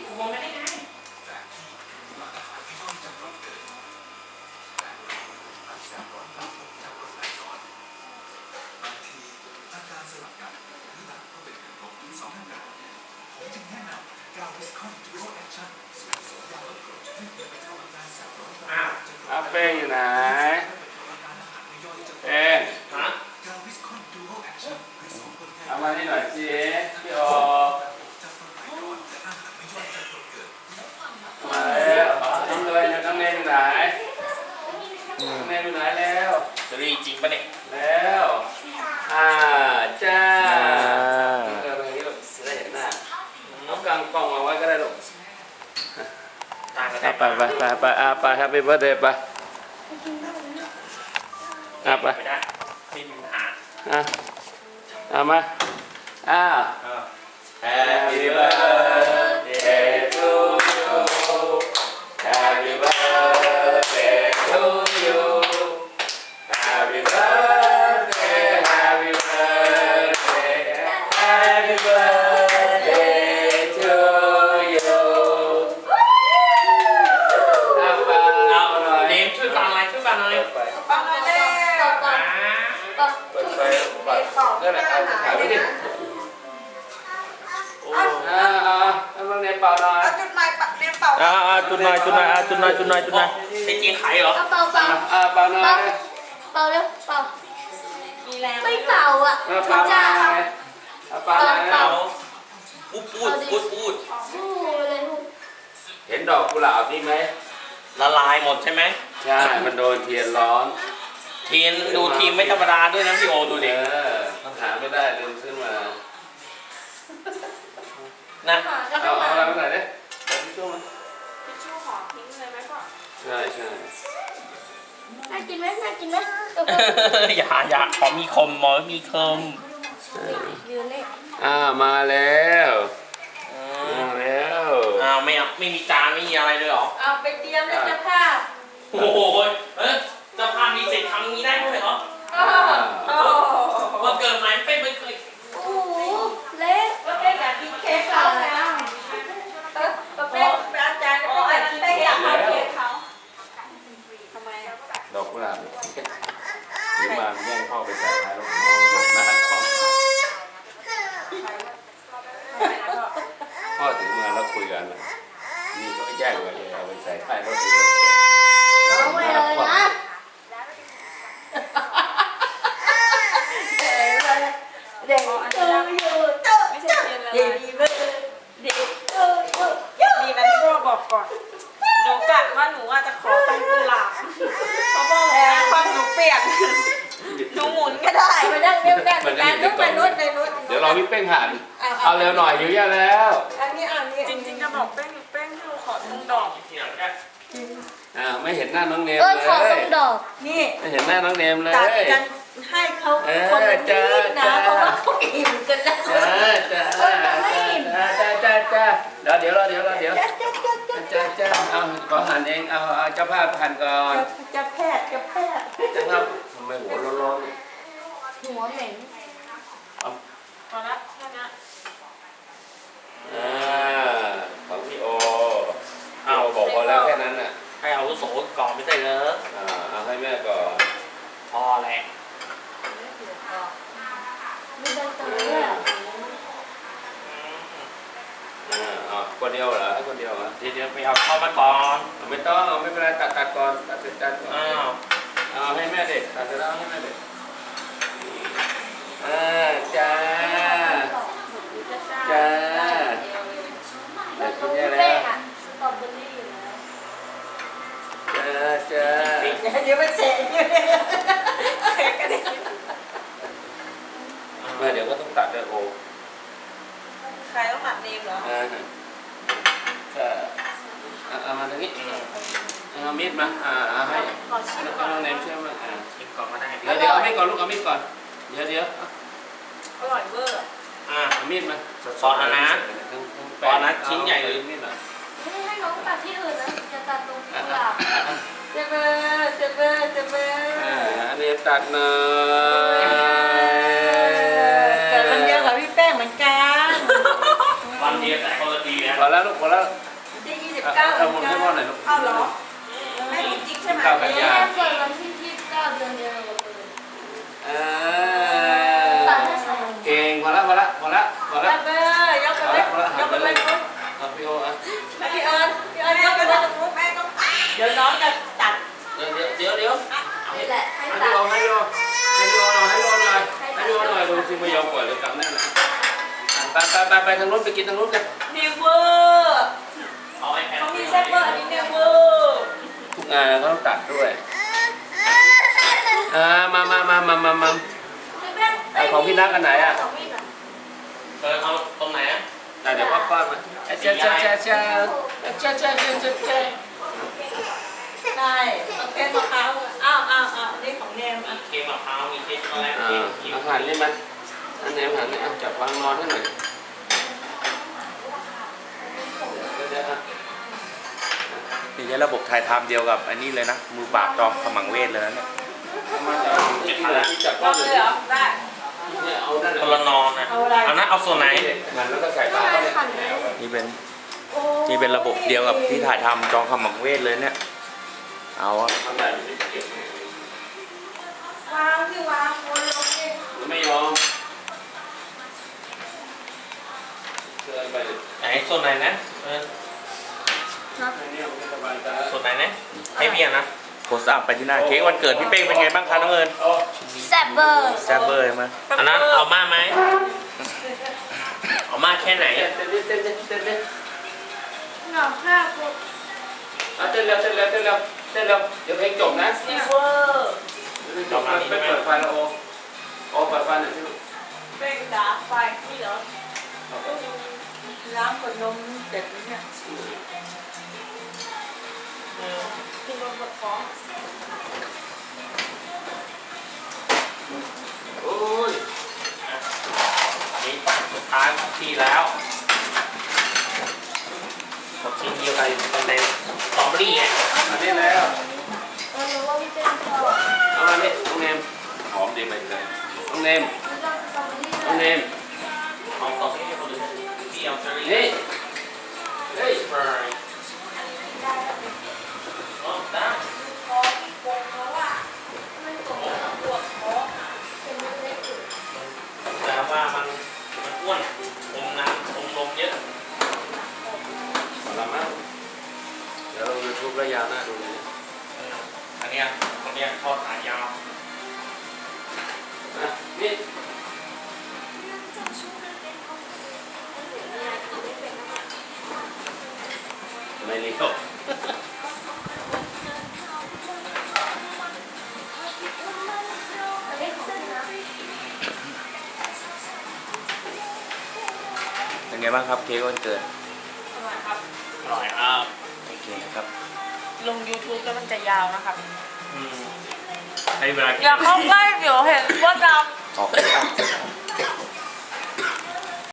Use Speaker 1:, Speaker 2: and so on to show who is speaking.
Speaker 1: มองไม่ได้ไง
Speaker 2: อ้าวเป้งอยู่ไหนเป้ง
Speaker 1: ฮะ
Speaker 2: เอามานี่หน่อยสิพี่โอมาแล้วน้องเลยน้องเนยอยู่ไหนน้องเนยอยู่ไหนแล้ว
Speaker 1: จะรีจริงปะเนี่ย
Speaker 2: แล้วจ้าเออตรงนี้ลูกจะได้เห็นหน้าเอากางกล้องมาไว้ก็ได้ลูก
Speaker 1: ต่างกัน
Speaker 2: ไปไปแฮปปี้เบิร์ดเดย์ไปไป
Speaker 1: ไม่ได้ไม่มีปัญหา
Speaker 2: เอามาHappy birthday to you Happy birthday to you Happy birthday Happy birthday Happy birthday to you เอาหน่อย
Speaker 1: เนมช่วยฟังหน่อยช่วยฟังหน่อย
Speaker 3: ฟังมาแล้ว
Speaker 2: เปิดไฟนั่นแหละเอาถ่ายไว้ดิเอาลองเนยเป่าหน่อย
Speaker 3: เอาจุดหมายปักเรียนเป่า
Speaker 4: จุดหน่อย
Speaker 1: เป็นจริงไขเหรอ
Speaker 5: เป่าเป่า
Speaker 2: เป่าหน่อย
Speaker 5: เป่าเร็วเป่า
Speaker 3: มีแรง
Speaker 5: ไม่เป่าอ่ะ
Speaker 2: เป่าหน่อยเป่าหน่อย
Speaker 1: เอาพูด
Speaker 5: พูดเลยพูด
Speaker 2: เห็นดอกกุหลาบนี่ไหม
Speaker 1: ละลายหมดใช่ไหม
Speaker 2: ใช่ มันโดนเทียนร้อน
Speaker 1: ทีมดูทีมไม่ธรรมดาด้วยนะพี่โอดูดิ
Speaker 2: ต้องหาไม่ได้เดินขึ้นมา
Speaker 1: นะ
Speaker 2: เอาอะไรมาหน่อยดิเอาทิชชู่มา
Speaker 3: ทิชชู่ขอทิ้งเลยไหมพ่อ
Speaker 2: ใช่
Speaker 5: น่ากินไหมน่ากินไหม
Speaker 1: อย่าขอมีคมหมอมีคม
Speaker 5: ยืนเลย
Speaker 2: มาแล้วมาแล้ว
Speaker 1: ไม่มีจานไม่มีอะไรเลยเหรอ
Speaker 3: เอาไปเตรียมเลยจ้าภาพ
Speaker 1: โอ้โหเจ้าภาพมีเสร็จทำนี้ได้ด้วยเหรอ
Speaker 3: โอ้
Speaker 1: ว่าเกิดมาไม่เคย
Speaker 5: โอ้โหเละ
Speaker 3: ก็เป็นแบบกินเค้กเขาแล้วก็เป็นอาจารย์ก็เป็นกินเค้กอยากทำเค้กเขาทำไมอ่ะ
Speaker 2: ดอกกุหลาบถือมาแย่งพ่อไปใส่ท้ายรถน้องหลบหน้ากล้องพ่อถือมาแล้วคุยกันนี่ก็แย่งไปเลยเอาไปใส่ท้ายรถ
Speaker 5: เอาไปเลยนะเด็กอยู่
Speaker 3: ไม่ใช่เทียนละลายดีนะที่พ่อบอกก่อนหนูกะว่าหนูอาจจะขอต้นกุหลาบเพราะพ่อบอกว่าความหนูเปลี่ยนหนูหมุนก็ได้
Speaker 5: ไปนั่งเร็วนั่งนั่งไปนู้นไปนู้น
Speaker 2: เดี๋ยวรอพี่เป้งหันเอาเร็วหน่อยหิวเยอะแล้ว
Speaker 3: อันนี้จริงๆจะบอกเป้งที่หนูขอตรงดอก
Speaker 1: ทีหลังก็
Speaker 2: ไม่เห็นหน้าน้องเนม
Speaker 5: เอ้ย
Speaker 2: เล
Speaker 5: ขอตร
Speaker 2: ย
Speaker 5: งดอก
Speaker 3: นี่
Speaker 2: ไม่เห็นหน้าน้องเนมเลย
Speaker 3: ตัดกันให้เขาคนละนิดนะเพราะว่าเขาอิ่มกันแล้ว
Speaker 2: จ้าเดี๋ยวเอาขอหันเองเอาเจ้าภาพหันก่อน
Speaker 3: จะแพทย์
Speaker 2: เจ้าภาพทำไมหัวร้อน
Speaker 5: หัวเหม็น
Speaker 3: พอละแค่นี้
Speaker 2: ของพี่โอเอาบอกพอแล้วแค่นั้นน่ะ
Speaker 1: ให้เอาวุโสก่อนไม่ได้เหรอ
Speaker 2: เอาให้แม่ก่อน
Speaker 1: พอแหละ
Speaker 5: มีใบเตยด้วย
Speaker 2: คนเดียวเหรอให้คนเดียวเหรอ
Speaker 1: เดี๋ยวไปเอาเข้ามาก่อน
Speaker 2: ไม่ต้องไม่เป็นไรตัดก่อนตัดเสร็จตัดก่อน
Speaker 1: อ้าว
Speaker 2: เอาให้แม่เด็กตัดเสร็จแล้วให้แม่เด็กจ้าอยากกินอะไร
Speaker 5: เป้
Speaker 2: แล้ว
Speaker 5: งอ่ะสตรอเบอรี่อยู่แล้ว
Speaker 2: จ้า
Speaker 3: เดี๋ยวไปเตะกันดิ
Speaker 2: มาเดี๋ยวก็ต้องตัดด้วยโอ
Speaker 3: ใครต้องหมัดเนมเหรอ
Speaker 2: ก็เอามาตรงนี้เอามีดมาเอาให้
Speaker 3: ขอชิม
Speaker 2: แล้วก็
Speaker 3: ก่อน
Speaker 2: น้องเนมเชื่อมา
Speaker 1: ชิมก่อนก็ได้
Speaker 2: เดี๋ยวเอามีดก่อนลูกเอามีดก่อนเดี๋ยว
Speaker 3: อร่อยเวอร์
Speaker 2: เอามีดมา
Speaker 1: ซอสนะซอสนะชิ้นใหญ่เลย
Speaker 2: มีดหน่อย
Speaker 5: ให้น้องตัดที่อื่นนะจะตัดตรงกุหลาบ
Speaker 3: เจ็บเบอร์
Speaker 2: อันนี้ตัดหน่อย
Speaker 3: เกิดวันเดียวกับพี่แป้งเหมือนกัน
Speaker 1: วันเดียวแต่คนละทีนะ
Speaker 2: อแล้วลูกพอแล้ว
Speaker 3: จะ29
Speaker 2: เอาหมุนให้พ่อหน่อยลูก
Speaker 3: เอาเหรอแม่จริงใช่ไหม
Speaker 2: เก้ากัน
Speaker 5: แม่
Speaker 2: ยา
Speaker 5: เกิดวันที่29 เดือนเดียวกับเอิญ
Speaker 2: อ่า
Speaker 5: ตัดให้ใส่
Speaker 2: เก่งพอแล้วพอแล้วพอแล้วพอแล้ว
Speaker 3: ไปเลยยกไปเลยยกไปเลยปุ๊บ
Speaker 2: เอาพี่โออ่ะ
Speaker 3: พี่เอิญยกไปเลยปุ๊บแม่ก็เดี๋ยวน้องจะตัด
Speaker 2: เดี๋ยว
Speaker 5: นี่แหละให้
Speaker 2: ให้
Speaker 5: ตั
Speaker 2: พี่
Speaker 5: ด
Speaker 2: โอให้พี่โอให้พี่โอหน่อยให้พี่โอหน่อยให้พี่โอหน่อยดูสิไม่ยอมปล่อยเลยกำแน่นนะไปทางนู้นไปกินทางนู้นกัน
Speaker 3: เนเวอร์
Speaker 1: เอาไอแพด
Speaker 3: เขามีแซ่บเบอร์อันนี้เนเวอร์
Speaker 2: ทุกงานเขาต้องตัดด้วยมาของพี่นักกันไหนอ่ะ
Speaker 5: ของพี่น่ะ
Speaker 1: เอาตรงไหนอ่ะ
Speaker 2: เดี๋ยวพ่อป้อนมาเจ้า
Speaker 3: ได้โอเคมะพร้าวอ้าวนี่ของเนมอ่ะ
Speaker 1: เค้กมะพร้าวมีเค้กช็อกโกแลต
Speaker 2: อา
Speaker 1: เค้กครีม
Speaker 2: หารนี่มันอันไหนอาหารนี่จับวางนอนให้หน่อยเดี๋ยว
Speaker 4: นี่ใช้ระบบถ่ายทำเดียวกับอันนี้เลยนะ มือปราบจอมขมังเวทเลยนะเนี่ย
Speaker 2: มาจากที่จับ
Speaker 3: ล
Speaker 2: ก้อ
Speaker 3: อน ง
Speaker 2: เล
Speaker 3: เลย ยเหรอได้
Speaker 2: เนี่ยเอานั่น
Speaker 1: คนละนอนนะ
Speaker 3: เอาอะไร
Speaker 1: เอานะเอาส่วนไหน
Speaker 2: มันแล้วก็ใส่ปาก
Speaker 5: ไม่ขันเลย
Speaker 4: นี่เป็นระบบเดียวกับที่ถ่ายทำจอมขมังเวทเลยเนี่ย เอาอะ
Speaker 2: ทำแบบนี้
Speaker 3: วางที่วางบนลงนี่
Speaker 2: ไม่ยอมเดินไป
Speaker 1: ไหนส่วนไหนนะส่วนไหนนะให้เบียร์นะ
Speaker 4: โพสต์อัพไปที่หน้าเค้กวันเกิดพี่เป้งเป็นไงบ้างคะน้องเอิญ
Speaker 5: แซ่บเบอร์
Speaker 4: แซ่บเบอร์ใช่ไหม
Speaker 1: อันนั้นเอามาไหมเอามาแค่ไหน
Speaker 2: เต้นเร็ว
Speaker 3: เหงาข้าวปุ๊บ
Speaker 2: เต้นเร็วเดี๋ยวเพลงจบนะ
Speaker 3: เนเวอร์
Speaker 2: ไม่เปิดไฟแล้วโอเปิดไฟหน่อยสิ
Speaker 3: เป็นดาไฟนี่เหรอล้างขวดนมเด็ดเนี่ยกินนมกับฟอง
Speaker 2: โอ้ย
Speaker 1: นี่สุดท้ายของพี่แล้วหมดชิ้นเดียวกันเป็นในสตรอเบอรี่ไง
Speaker 2: อันนี้แล้ว
Speaker 5: รู้ว่าพี่เป็นชอบ
Speaker 2: เอามานี่น้องเนมหอมดีไปเลยน้องเนม
Speaker 5: แล้วก็สตรอเบอรี่
Speaker 2: น้องเนม
Speaker 1: เอาสตรอเบอรี่ให้คนอื่นพี่เอาเชอร์รี่
Speaker 2: นี่เฮ้ย
Speaker 1: เฟรย์อ๋อได้
Speaker 3: คอโกงแล้วอ่ะมันกดปวดคอ
Speaker 5: เป็นเล็กอยู่
Speaker 1: แต่ว่ามันอ้วนอมน้ำอมนมเยอะ
Speaker 2: หมดแล้วมั้งเดี๋ยวเรายูทูบระยะหน้าดูเลย
Speaker 1: อันเนี้ยทอดขายาว
Speaker 2: นี่ไม่รีบ
Speaker 5: อันนี้ของพี่นะ
Speaker 4: เป็นไงบ้างครับเค้กวันเกิด
Speaker 3: อร่อยครับ
Speaker 1: อร่อยครับ
Speaker 4: โอเคนะครับ
Speaker 3: ลง YouTube แล้วมันจะยาวนะครับ
Speaker 1: ให้เวลากิน
Speaker 3: อย่าเข้าใกล้เดี๋ยวเห็นว่าด
Speaker 4: ออก